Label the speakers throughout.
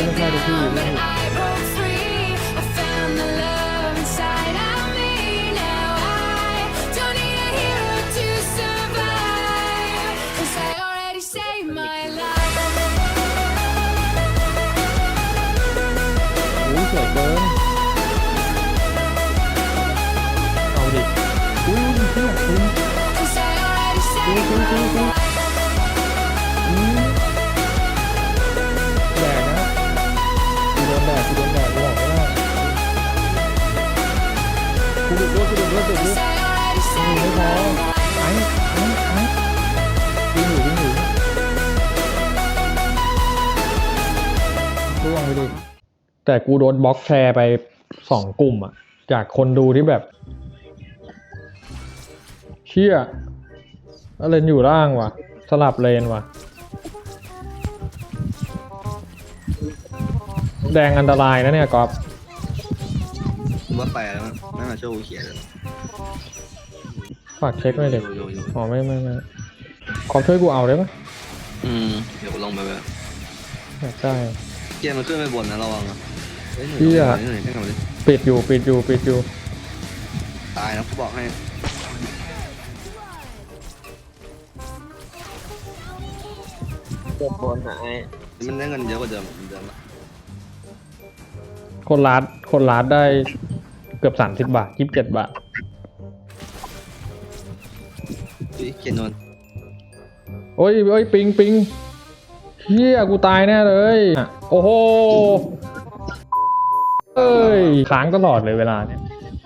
Speaker 1: ไม่ใช่ทุกที่ไม่ อุ้ยสวยเกินเอาดิอุ้ยเที่ยคุณแดกนะกูโดนแดกกูบอกไม่ได้กูดุด้วยดุไม่พอวิ่งอยู่ร่วงไปดิแต่กูโดนบล็อกแชร์ไป2 กลุ่มอะจากคนดูที่แบบเชี่ยเลนอยู่ล่างว่ะสลับเลนว่ะแดงอันตรายนะเนี่ยก๊อฟ
Speaker 2: ว่าไปแล้วไม่มาช่วยกูเขียนเลย
Speaker 1: ฝากเช็คหน่อยเด็กอ๋อไม่ก๊อฟช่วยกูเอาได้ปะ
Speaker 2: เดี๋ยวกูลงไปแบบ
Speaker 1: อยากได้
Speaker 2: เกียร์มันขึ้นไปบนนะระวังอ่ะ
Speaker 1: ปิดอยู่
Speaker 2: ตายนะกูบอกให้
Speaker 3: เจ็บบนหาย
Speaker 2: มันได้เงินเยอะกว่าเดิมละ
Speaker 1: คนลาดได้เกือบ30 บาท27 บาท
Speaker 2: เขียนนน
Speaker 1: โอ้ยปิงเฮียกูตายแน่เลยโอ้โหเอ้ยค้างตลอดเลยเวลาเนี่ย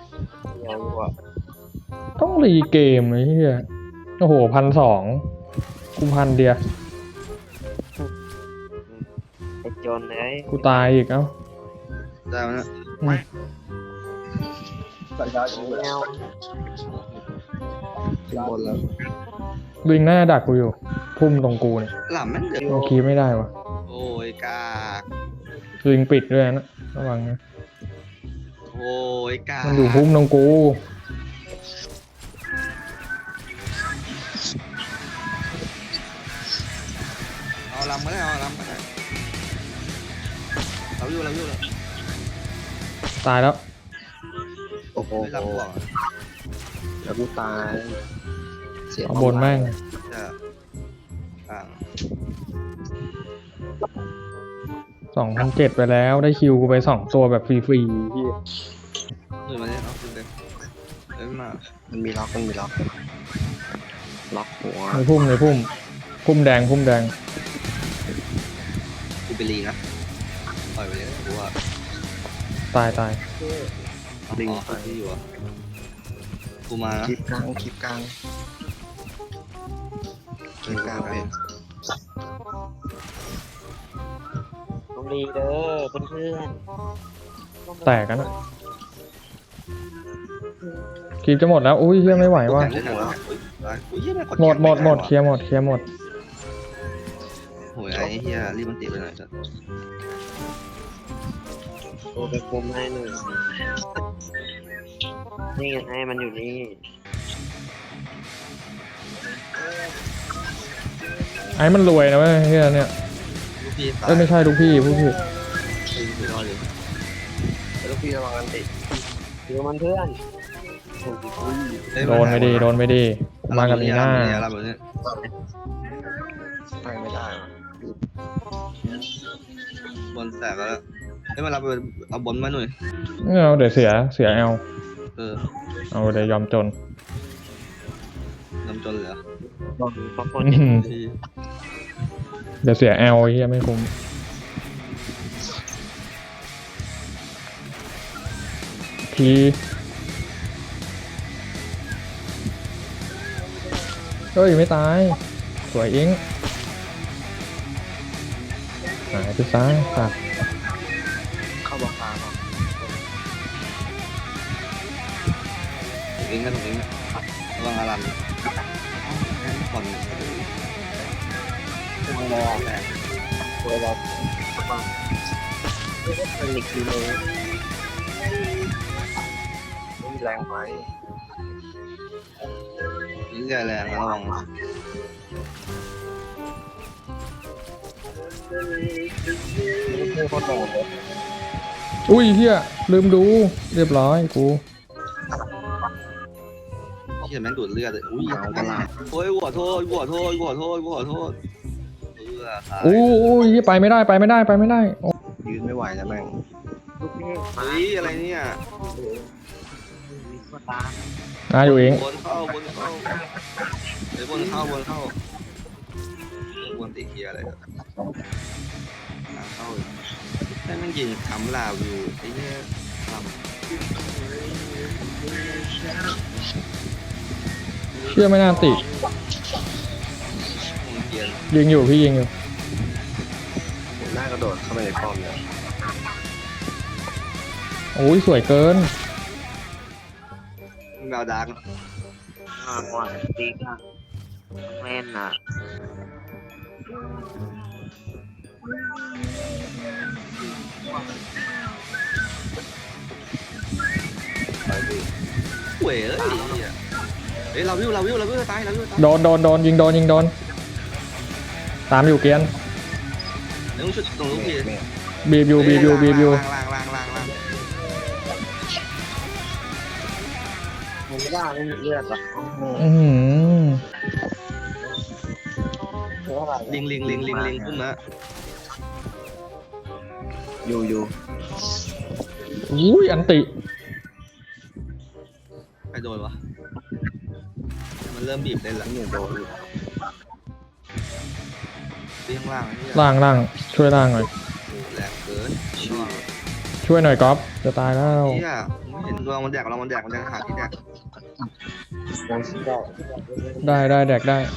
Speaker 1: ต้องรีเกมเลยเฮียโอ้โห1,200กู1,000 เดียว
Speaker 3: ไอ้จนไง
Speaker 1: กูตายอีกเอ้า
Speaker 2: ได้ไหม
Speaker 3: ใส่ได้กูแล้วบนแล้ว
Speaker 1: วิ่งหน้าดักกูอยู่พุ่มตรงกูเนี่ย
Speaker 2: หล่ำมันเดือด
Speaker 1: โอเคไม่ได้วะ
Speaker 2: โอ้ยกาก
Speaker 1: วิ่งปิดด้วยนะระวังนะ
Speaker 2: โอ้ยกาก
Speaker 1: มันอยู่พุ่มตรงกู
Speaker 2: เอาลำมาได้เราอยู่เลย
Speaker 1: ตายแล้ว
Speaker 3: โอ้โห
Speaker 2: ลำกว่า
Speaker 3: แล้วกูตาย
Speaker 1: เอาบนแม่ง2,700ไปแล้วได้คิวกูไป2 ตัวแบบฟรีๆที่
Speaker 2: มาเนี่ยเอาขึ้นเลย
Speaker 3: มันมีล็อกล็อกหัว
Speaker 1: ในพุ่มแดง
Speaker 2: กูไปรีนะปล่อยไปเลยกูว่า
Speaker 1: ตาย
Speaker 2: ลิงที่อยู่อ่ะกูมานะ
Speaker 3: คลิปกลางเป็นต้องรีเด้อเพื่อน
Speaker 1: แตกกันอ่ะคลิปจะหมดแล้วอุ้ยเฮียไม่ไหวว่ะหมดเคลียร์หมด
Speaker 2: โหยไอ้เฮียรีบมันติดไปหน่อยจ้ะ
Speaker 3: โอ้ไปคุมให้หนึ่งนี่ไงให้มันอยู่นี่
Speaker 1: ไอ้มันรวยนะเว้ยเฮียเนี่ยไม่ใช่ลูกพี่ผู้พี่
Speaker 3: ลูกพี่ระวังกันติดูมันเพื่อน
Speaker 1: โดนไม่ดีมากับมีหน้า
Speaker 3: ไม่ได้
Speaker 2: บอลแตกแล้วให้มารับเอาบอลมาหน่อย
Speaker 1: เอาเดี๋ยวเสียเอาเดี๋ยวยอมจน
Speaker 2: เลยเหรอ
Speaker 1: เดี๋ยวเสียแอลเฮียไม่คุ้มทีเฮ้ยไม่ตายสวยอิงหายไปซ้ายตัด
Speaker 3: เข้าบอกกลาง
Speaker 2: ถูกอิงระวังอารันผ่อน
Speaker 3: ไม่ได้เวลาเป็นอีกทีเลยแรงไป
Speaker 2: ยิ่งใหญ่แรงระวัง
Speaker 3: โคตรโหด
Speaker 1: อุ้ยเฮียลืมดูเรียบร้อยกู
Speaker 2: เหี้ยแม่งดูดเลือดเลยอุ้ยโอ้ยหัวโทษหัวโทษหัวโทษหัวโทษตาย
Speaker 1: อู้ยเหี้ยไปไม่ได้ไปไม่ได้ไปไม่ได้โอ้
Speaker 3: ยืนไม่ไหวแล้วแม่ง
Speaker 2: เฮ้ยอะไรเนี่ย
Speaker 1: นาอยู่เอง
Speaker 2: บนเข้าบนเข้าไอ้บนเข้าบนเข้าบนตีเคียอะไรกันเข้าแต่แม่งยิงคำลาวอยู่ไอ้เนี่ยคำ
Speaker 1: เชื่อไม่น่าติ
Speaker 2: มึงเกียน
Speaker 1: ยิงอยู่พี่ยิงอยู่
Speaker 3: หน้ากระโดดเข้าไปในป้อมเลย
Speaker 1: โอ้ยสวยเกิน
Speaker 2: แมวดัง
Speaker 4: ก่อนติ๊กอ่ะแม่นอ่ะ
Speaker 2: เว้ยเอ้ยเราวิวตายเราวิวตาย
Speaker 1: โดนยิงโดนตามอยู่เกียน
Speaker 2: เดี๋ยวมึงชุดตรงลูกพี่
Speaker 1: บีบอยู่
Speaker 2: ล่าง
Speaker 4: ผมว่าไม่มีเลือดหรอก
Speaker 1: อือหือ
Speaker 4: เพราะอะไร
Speaker 2: ลิงพุ่มนะ
Speaker 3: อยู่
Speaker 1: อุ้ยอันติ
Speaker 2: ใครโดนวะมันเริ่มบีบเล่นละ
Speaker 3: นี่โดน
Speaker 2: ตีข้างล่างนี่
Speaker 1: ล่างช่วยล่างหน่อย
Speaker 2: แหลกเกิน
Speaker 1: ช่วยหน่อยก๊อฟจะตายแล้ว
Speaker 2: นี่อ่ะไม่เห็นเรามันแดกหาที่แดก
Speaker 1: ได้แดกได้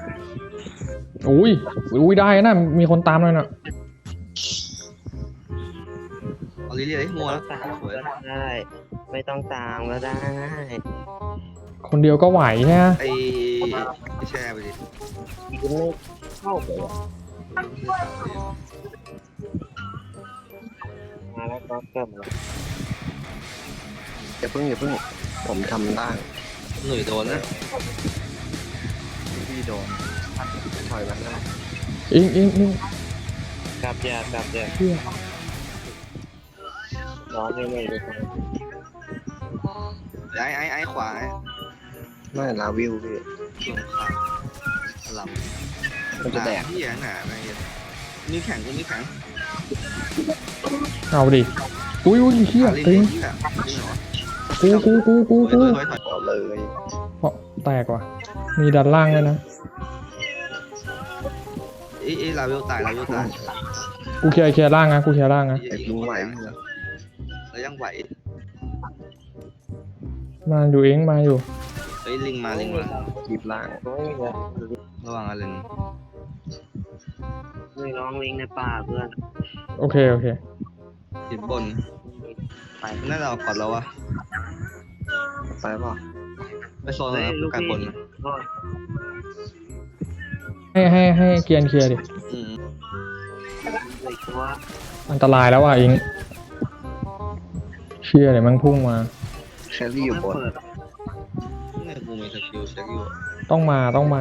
Speaker 1: อุ้ยได้นะมีคนตามเลยน่ะ
Speaker 2: เอาลิเลียให้มัวแล้วสวย
Speaker 4: ได้ไม่ต้องตามก็ได้
Speaker 1: คนเดียวก็ไหวใช่ไหม
Speaker 2: ไอ้แช่ไปดิ
Speaker 4: ยิงไม่เข้าไปอ่ะมาแล้วก็เกิดแล้ว
Speaker 3: อย่าเพิ่งผมทำได้
Speaker 2: หนุ่ยโดนนะ
Speaker 3: พี่โดนถอยมาได้
Speaker 1: อิง
Speaker 4: กลับอย่า
Speaker 1: เชี่ย
Speaker 4: ร้อนไม่เลย
Speaker 2: ไอ้ขวา
Speaker 3: ไม่ลาวิวพี่
Speaker 2: ลงข้างหลับ
Speaker 3: มันจะแดก
Speaker 2: ที่หนาอะไรนี่แข็งกูนี่แข็ง
Speaker 1: เอาดิอุ้ยเชี่ย
Speaker 2: ลิง
Speaker 1: ตึง
Speaker 2: ที่อ่ะลิงเหรอ
Speaker 1: กู
Speaker 2: ถอย
Speaker 3: ต่อเลย
Speaker 1: เพราะแตกว่ะมีดันล่างเลยนะ
Speaker 2: เอ้ลาเวลตาย
Speaker 1: กูเคลียร์ล่างนะกูเคลียร์ล่างนะ
Speaker 3: ไอ้ลุงไหว
Speaker 2: แล้วยังไหว
Speaker 1: มาอยู่เองมาอยู่
Speaker 2: เฮ้ยลิงมา
Speaker 3: คลิปล่าง
Speaker 2: ระวังอะไร
Speaker 4: ไม่ร้องลิงในป่าเพื่อน
Speaker 1: โอเค
Speaker 2: ติดบน
Speaker 4: ไป
Speaker 2: น่าจะเอาก่อนแล้ววะ
Speaker 3: ไปป่ะ
Speaker 2: ไปโซนแล้วการบน
Speaker 1: ให้เกียร์เคลียร์ดิ
Speaker 4: เลยตัว
Speaker 1: อันตรายแล้วว่ะอิงเชี่ยเดี๋ยวมันพุ่งมา
Speaker 3: แครี่อยู่บน
Speaker 2: เนี่ยกูมีสกิลเช็คอยู่
Speaker 1: ต้องมา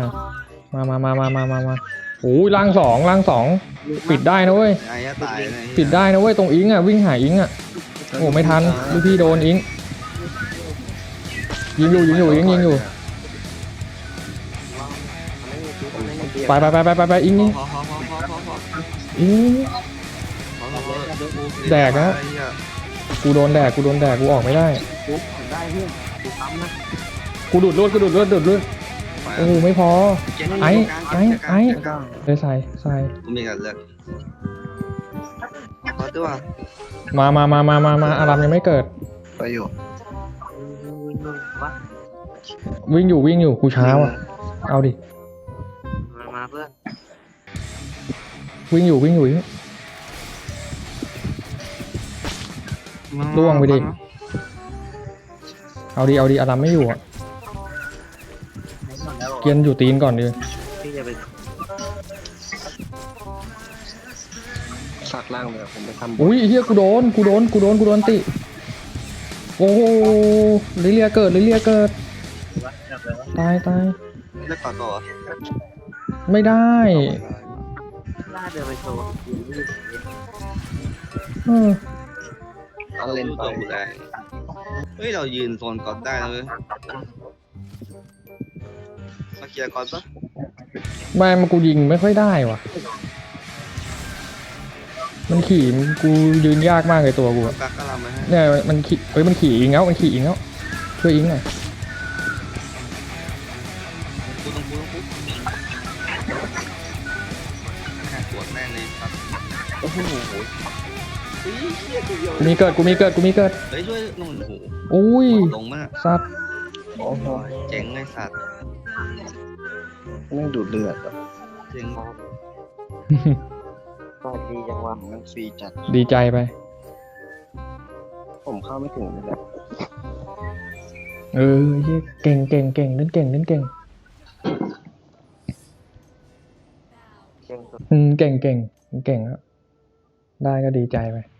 Speaker 1: โอ้ยล่างสองปิดได้นะเว้ย
Speaker 2: ไอ้ตาย
Speaker 1: ปิดได้นะเว้ยตรงอิงอ่ะวิ่งหาอิงอ่ะโอ้ไม่ทันลูกพี่โดนอิงยิงอยู่อิงยิงอยู่ไปอิง
Speaker 2: พอ
Speaker 1: อิงกูโดนแดกกูออกไม่ได้
Speaker 4: ได้เพื่อนกูทำนะ
Speaker 1: กูดูดเลือดโอ้โหไม่พอไอ้เลยใส่
Speaker 2: กูมีกันเลือดพอตัว
Speaker 1: มาอารามยังไม่เกิด
Speaker 3: ไปอยู่
Speaker 4: วะ
Speaker 1: วิ่งอยู่กูช้าว่ะเอาดิ
Speaker 4: มาเพื่อน
Speaker 1: วิ่งอยู่ล่วงไปดิเอาดิอารามไม่อยู่อ่ะเกียนอยู่ตีนก่อนดิ
Speaker 4: พี่จะไป
Speaker 3: สักล่างเลยผมไปทำ
Speaker 1: อุ้ยเฮียกูโดนติโอ้โหลิเลียเกิดตาย
Speaker 2: เลือดต่อ
Speaker 1: ไม่ได้
Speaker 4: ล่าเดินไปโชว์
Speaker 1: เออ
Speaker 3: เอาเล่นไป
Speaker 2: ตัวกูแรงเฮ้ยเรายืนโซนก่อนได้นะเว้ยมาเคลียร์ก่อนปะ
Speaker 1: ไม่มากูยิงไม่ค่อยได้ว่ะ มันขี่กูยืนยากมากเลยตัวกูอะ
Speaker 2: กักก็ลำไปให้
Speaker 1: เนี่ยมันขี่เฮ้ยมันขี่อิงแล้วมันขี่อิงแล้วช่วยอิงหน่อย
Speaker 2: กูต้องแค่ปวดแม่งเลยครับ
Speaker 3: โอ้โห
Speaker 2: เฮ้ยเหี้ยตัวเดียว
Speaker 1: กูมีเกิด
Speaker 2: เฮ้ยช่วยนู่นโอ้โห
Speaker 1: อุ้ย
Speaker 2: ลงมาก
Speaker 1: สัตว์
Speaker 3: โอ้โห
Speaker 2: เจ๋งไอ้สัตว์
Speaker 3: ไม่งดูดเลือดอ่ะ
Speaker 2: เจ๋ง
Speaker 4: ก็ดีจังวะ
Speaker 3: มันฟรีจัด
Speaker 1: ดีใจไป
Speaker 3: ผมเข้าไม่ถึงเลยแหละ
Speaker 1: เออเหี้ยเก่งเล่นเก่ง
Speaker 4: เก่งสุด
Speaker 1: เก่งแล้วได้ก็ดีใจไป